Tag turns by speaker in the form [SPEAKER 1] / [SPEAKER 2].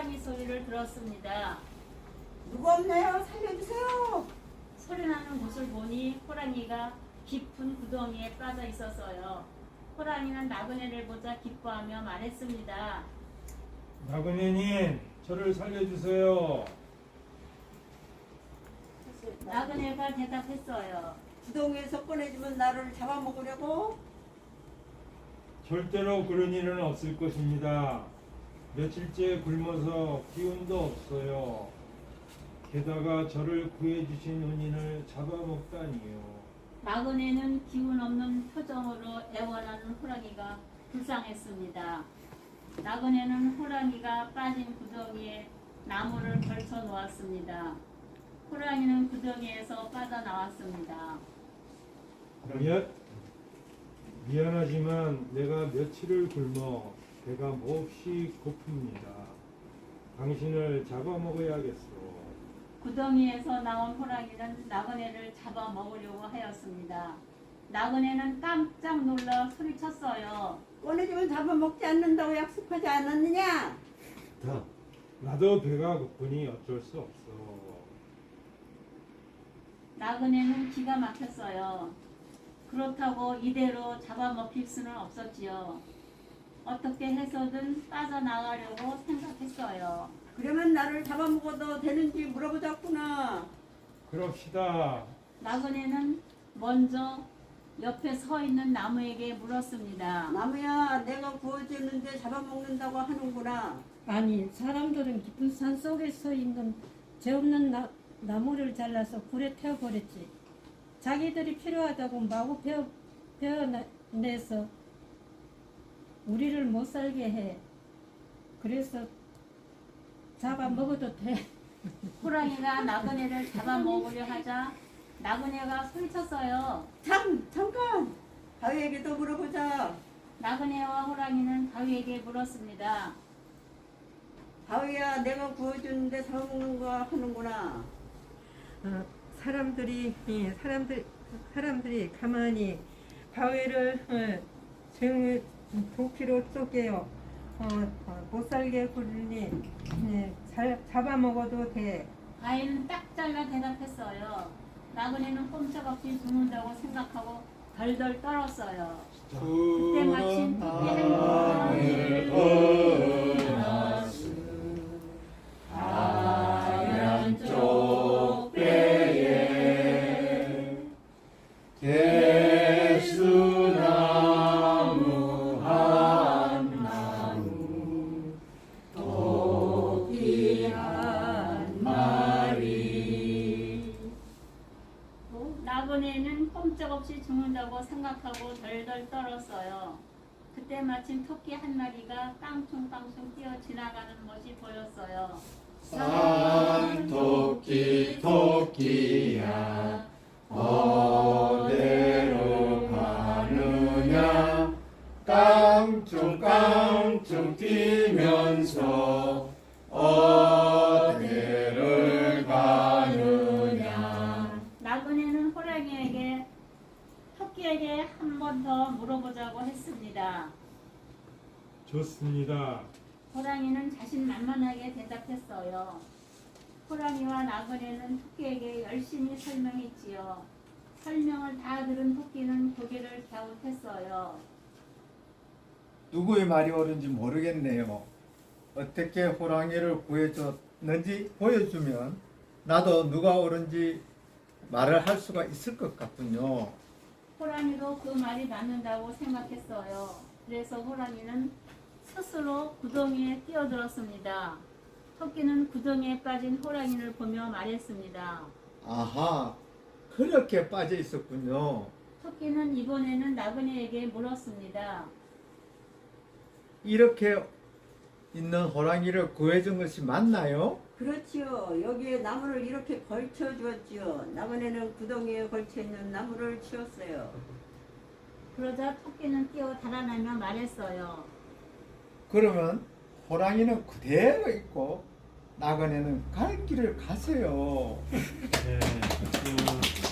[SPEAKER 1] 호랑이 소리를 들었습니다.
[SPEAKER 2] 누구 없나요? 살려주세요.
[SPEAKER 1] 소리나는 곳을 보니 호랑이가 깊은 구덩이에 빠져 있었어요. 호랑이는 나그네를 보자 기뻐하며 말했습니다.
[SPEAKER 3] 나그네님, 저를 살려주세요.
[SPEAKER 1] 나그네가 대답했어요.
[SPEAKER 2] 구덩이에서 꺼내주면 나를 잡아먹으려고?
[SPEAKER 3] 절대로 그런 일은 없을 것입니다. 며칠째 굶어서 기운도 없어요. 게다가 저를 구해주신 은인을 잡아먹다니요.
[SPEAKER 1] 나그네는 기운 없는 표정으로 애원하는 호랑이가 불쌍했습니다. 나그네는 호랑이가 빠진 구덩이에 나무를 걸쳐 놓았습니다. 호랑이는 구덩이에서 빠져나왔습니다.
[SPEAKER 3] 미안하지만 내가 며칠을 굶어 배가 몹시 고픕니다. 당신을 잡아먹어야겠소.
[SPEAKER 1] 구덩이에서 나온 호랑이는 나그네를 잡아먹으려고 하였습니다. 나그네는 깜짝 놀라 소리쳤어요.
[SPEAKER 2] 꺼내주면 잡아먹지 않는다고 약속하지 않았느냐?
[SPEAKER 3] 나도 배가 고프니 어쩔 수 없어.
[SPEAKER 1] 나그네는 기가 막혔어요. 그렇다고 이대로 잡아먹힐 수는 없었지요. 어떻게 해서든 빠져나가려고 생각했어요.
[SPEAKER 2] 그러면 나를 잡아먹어도 되는지 물어보자꾸나.
[SPEAKER 3] 그럽시다.
[SPEAKER 1] 나그네는 먼저 옆에 서 있는 나무에게 물었습니다.
[SPEAKER 2] 나무야, 내가 구워주는데 잡아먹는다고 하는구나.
[SPEAKER 4] 아니, 사람들은 깊은 산 속에 서 있는 죄 없는 나무를 잘라서 불에 태워버렸지. 자기들이 필요하다고 마구 베어내서 우리를 못 살게 해. 그래서 잡아먹어도 돼.
[SPEAKER 1] 호랑이가 나그네를 잡아먹으려 하자 나그네가 소리쳤어요.
[SPEAKER 2] 잠깐! 바위에게도 물어보자.
[SPEAKER 1] 나그네와 호랑이는 바위에게 물었습니다.
[SPEAKER 2] 바위야, 내가 구워주는데 잡아먹는 거 하는구나.
[SPEAKER 5] 사람들이 가만히 바위를 도끼로 쪼개요. 못 살게 굴리니 잡아먹어도 돼.
[SPEAKER 1] 바위는 딱 잘라 대답했어요. 나그네는 꼼짝없이 죽는다고 생각하고 덜덜 떨었어요. 그때 마침 토끼 한
[SPEAKER 6] 하얀 쪽배에 대수나무 한 나무 토끼 한 마리.
[SPEAKER 1] 나그네는 꼼짝없이 죽는다고 생각하고 덜덜 떨었어요. 그때 마침 토끼 한 마리가 깡충깡충 뛰어 지나가는 것이 보였어요.
[SPEAKER 6] 산토끼 토끼야 어디로 가느냐 깡충깡충 뛰면서 어디를 가느냐.
[SPEAKER 1] 나그네는 호랑이에게 토끼에게 한 번 더 물어보자고 했습니다.
[SPEAKER 3] 좋습니다.
[SPEAKER 1] 호랑이는 자신만만하게 대답했어요. 호랑이와 나그네는 토끼에게 열심히 설명했지요. 설명을 다 들은 토끼는 고개를 갸웃했어요.
[SPEAKER 7] 누구의 말이 옳은지 모르겠네요. 어떻게 호랑이를 구해줬는지 보여주면 나도 누가 옳은지 말을 할 수가 있을 것 같군요.
[SPEAKER 1] 호랑이도 그 말이 맞는다고 생각했어요. 그래서 호랑이는 스스로 구덩이에 뛰어들었습니다. 토끼는 구덩이에 빠진 호랑이를 보며 말했습니다.
[SPEAKER 7] 아하, 그렇게 빠져 있었군요.
[SPEAKER 1] 토끼는 이번에는 나그네에게 물었습니다.
[SPEAKER 7] 이렇게 있는 호랑이를 구해준 것이 맞나요?
[SPEAKER 2] 그렇지요. 여기에 나무를 이렇게 걸쳐 주었지요. 나무에는 구덩이에 걸쳐 있는 나무를 치웠어요.
[SPEAKER 1] 그러자 토끼는 뛰어 달아나며 말했어요.
[SPEAKER 7] 그러면 호랑이는 그대로 있고 나그네는 갈 길을 가세요.
[SPEAKER 3] 네,